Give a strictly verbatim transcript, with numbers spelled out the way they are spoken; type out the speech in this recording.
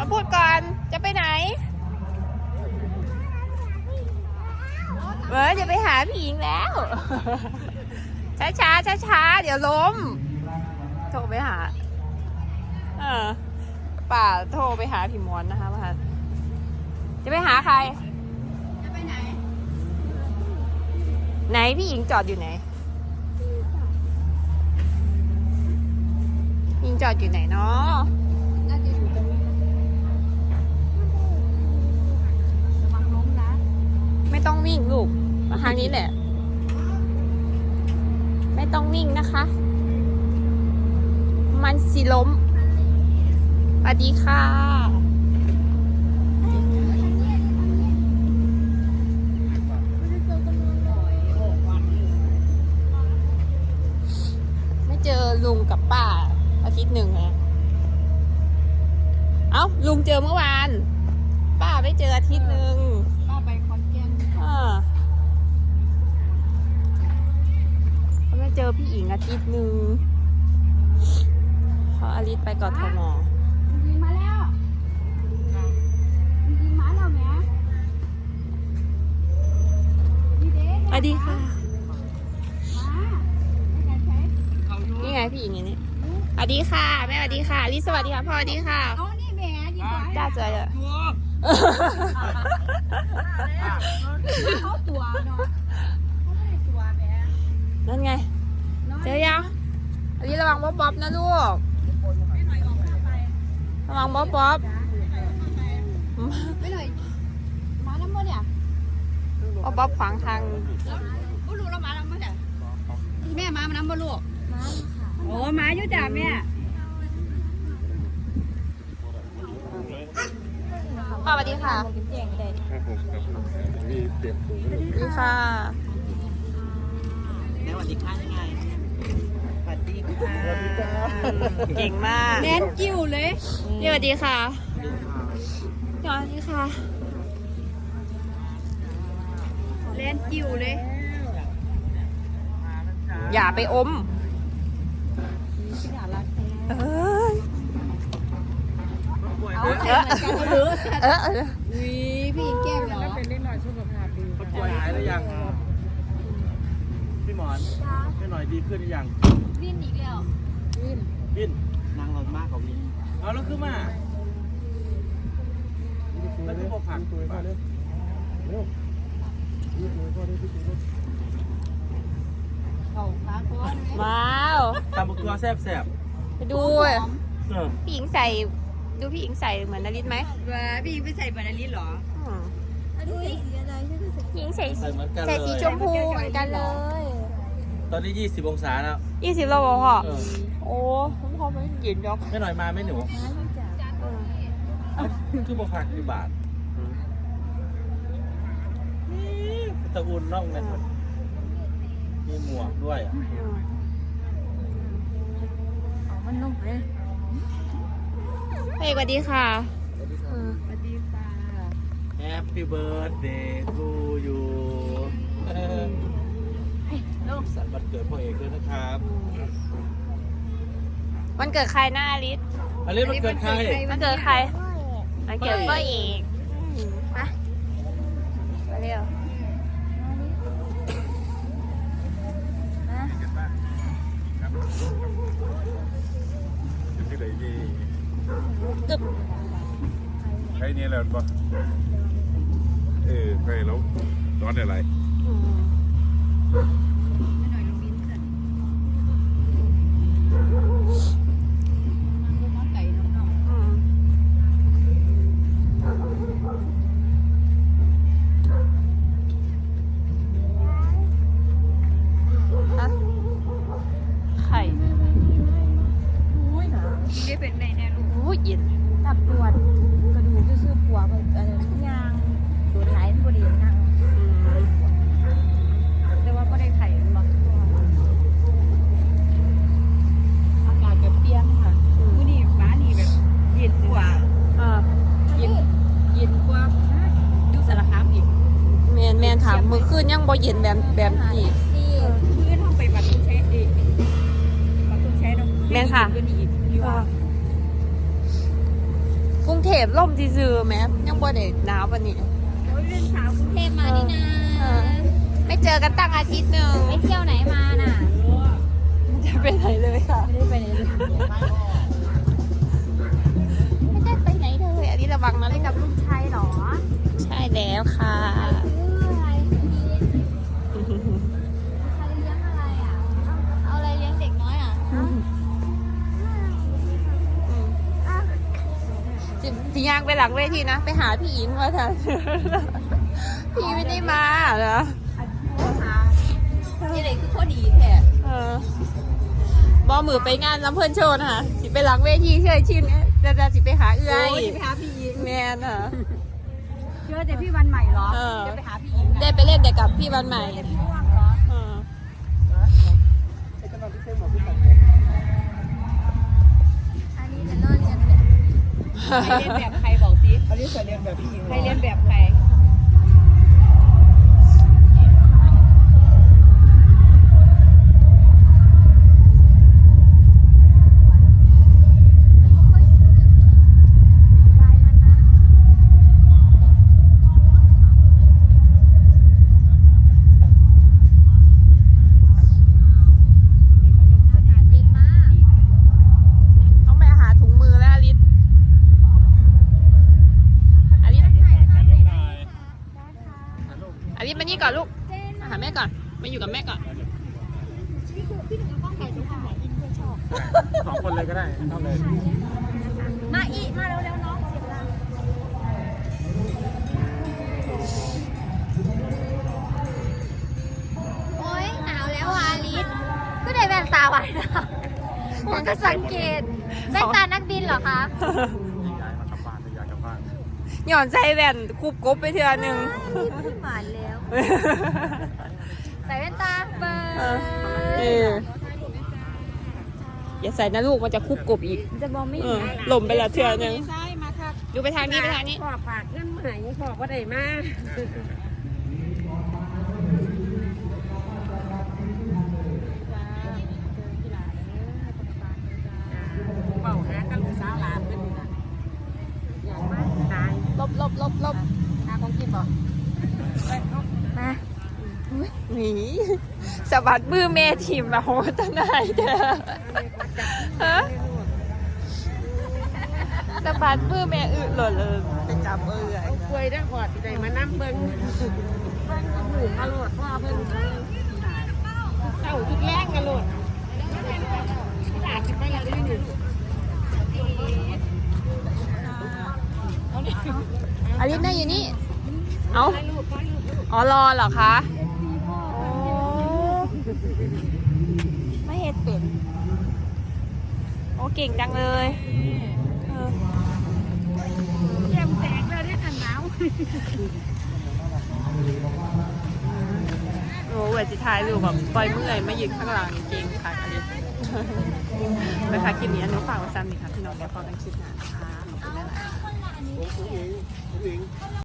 มาพูดก่อนจะไปไหนเออจะไปหาพี่หญิงแล้วช้าช้าช้าช้าเดี๋ยวล้มโทรไปหาเออป่าโทรไปหาพี่มอนนะคะว่าจะไปหาใครจะไปไหนไหนพี่หญิงจอดอยู่ไหนพี่หญิงจอดอยู่ไหนเนาะน่าจะอยู่ตรงนี้ระวังล้มนะไม่ต้องวิ่งลูกมาทางนี้แหละไม่ต้องวิ่งนะคะมันสิล้มสวัสดีค่ะไม่เจอลุงกับป้าอาทิตย์หนึ่งนะเอ้าลุงเจอเมื่อวานป้าไม่เจออาทิตย์หนึ่งป้าไปคอนแก่นอ่าเขาไม่เจอพี่อิงอาทิตย์หนึ่งเพราะอลิสไปกทมยิงมาแล้วยิงมาแล้วแม่สวัสดีค่ะนี่ไงพี่อิงอย่างนี้สวัสดีค่ะแม่สวัสดีค่ะอลิสสวัสดีค่ะพ่อสวัสดีค่ะอ๋อนี่แม่ยิงจ้าเจอเลยเขาตัวเนาะเขาไม่ได้ตัวแม่นั่นไงเจอยังอลิสระวังบ๊อบบ๊อบนะลูกระวังบ๊อบบ๊อบไม่หน่อยมาน้ำมันเนี่ยบ๊อบบ๊อบขวางทางบุรุษเรามาน้ำมันเนี่ยแม่มาน้ำบุรุษมาค่ะโอ้มาอยู่จ้ะแม่พ่อสวัสดีค่ะมีเสียงสูงสวัสดีค่ะแม่สวัสดีค่ะยังไงสวัสดีค่ะเก่งมากแน่นกิ้วเลยสวัสดีค่ะสวัสดีค่ะแน่นกิ้วเลยอย่าไปอมเออเอาเออเออเออวิพี่แก้มเหรอเป็นเล็กหน่อยสุขภาพดีคนป่วยหายหรือยังพี่หมอนพี่หน่อยดีขึ้นหรือยังวิ่นอีกแล้ววิ่นวิ่นนางเรามากกว่าวิ่นเอาแล้วคือมาแล้วคือพวกผักตัวมาเร็วเร็วยืดมือก็ได้พี่ตัวเอาขาก้อนว้าวตำบักตัวแซ่บแซ่บไปดูพี่หญิงใส่ดูพี่หญิงใส่เหมือนนาริสไหมว้าพี่หญิงไปใส่บานาลิสเหรออันนี้ใส่สีอะไรพี่หญิงใส่ใส่สีชมพูเหมือนกันเลยตอนนี้ยี่สิบองศาแล้วยี่สิบเราบอกว่าโอ้ผมพอไม่กินหรอกไม่หน่อยมาไม่หนูคือบอกผักกี่บาทตะอุ่นน่องเนี่ยมีหมวกด้วยมันนุ่มเลยเฮ้ยสวัสดีค่ะสวัสดีค่ะ Happy birthday to you ลูกสันวันเกิดพ่อเอกด้วยนะครับวันเกิดใครหน้าอลิสอลิสวันเกิดใครวันเกิดใครวันเกิดพ่อเอกไปไปเร็วตึ๊บใครเนี่ยแหละปะเออใครแล้วตอนอะไรไข่อุ้ยได้เป็นในแน่ลูกอุ้ยเย็นตับปวดกระดูกจะซื้อปัวไปอะไรยางโดนไหลบริเวณนั่งแต่ว่าก็ได้ไข่หลอดอากาศแบบเปรี้ยงค่ะมื้อนี้ฟ้านี่แบบเย็นกว่าเย็นเย็นกว่าดูสารคามอีกแมนแมนถามมือคืนยังบ่เย็นแบบแบบนี้พื้นห้องไปบัตรตุ้งใช้อีกบัตรตุ้งใช้เนาะแมนค่ะกรุงเทพล่มซื่อๆแม้ยังบ่ได้หนาวปานนี้โอ้ยเป็นสาวกรุงเทพมานี่นะเออไม่เจอกันตั้งอาทิตย์หนึ่งไปเที่ยวไหนมาน่ะไม่ได้ไปไหนเลยค่ะไม่ได้ไปไหนเลยไม่ได้ไปไหนเลยอันนี้ระวังนะไปลูกกับลูกชายเหรอใช่แล้วค่ะซื้ออะไรกินใครเลี้ยงอะไรอ่ะ เอาอะไรเลี้ยงเด็กน้อยอ่ะจิจิยางไปหลังเวทีนะ ไปหาพี่อิงมาทัน พี่ไม่ได้มาเหรอนี่เลยคือข้อดีแท้เออบอมือไปงานลำเพลินโชว์นะคะสิไปหลังเวทีเฉยชินจะจะสิไปหาเอื้อยโอ้ยไปหาพี่อิงแมนค่ะเจอแต่พี่วันใหม่เหรอเออจะไปหาพี่อิงได้ไปเล่นแต่กับพี่วันใหม่พี่ว่างเหรอเอออันนี้จะนอนเรียนแบบใครเรียนแบบใครบอกสิอันนี้ใส่เรียนแบบพี่อิงใครเรียนแบบใครต้องไปหาถุงมือแล้วอลิสอลิสอลิสมานี่ก่อนลูกมาหาแม่ก่อนมาอยู่กับแม่ก่อนสองคนเลยก็ได้เท่าเลยมาอีมาเร็วๆน้องเสียเวลาโอ๊ยหนาวแล้ววาลิสก็ได้แว่นตาไว้นะผมก็สังเกตแว่นตานักบินเหรอคะย้ายมากลับบ้านย้ายกลับบ้านหย่อนใจแว่นคูบกบไปเทือหนึ่งพี่หมานแล้ว ใส่แว่นตาเปิเออเอออย่าใส่นะลูกมันจะคูบกบอีกจะมองไม่เอเห็อน หล่มไปละเทือหนึ่งใช่มาค่ะดูไปทางนี้ไปทางนี้ขอฝากเงินมาให้ขอว่าได้มาเป่าหาตั้งสาวหลานเพิ่นนี่ล่ะอย่างมากตายลบลบลบลบหาของกินบ่มาหนีสะบัดมือแม่ทีมเราตั้งไหนเด้อฮะสะบัดมือแม่อึหล่นเลยไปจับเอื้อยกล้วยได้ขอดที่ใดมานั่งเบิ่งเบิ่งกระหูกระโลดพ่อเพิ่นเต้าทุกแรงกระโลดหลานสิไปแล้วได้หนึ่งอลิสน่าอยู่นี่ เอ้า อ๋อรอเหรอคะ โอ้ไม่เห็ดเป็ด โอ้เก่งจังเลยเออแก้มแตกแล้วเนี่ยหนาวโอ้เวทีท้ายดูแบบปล่อยเมื่อยมายืนข้างหลังเก่งค่ะอลิสไปค่ะคลิปนี้อนุฝากไว้ซ้ำอีกค่ะพี่น้องเดี๋ยวพอกันคลิปหน้านะคะขอบคุณมาก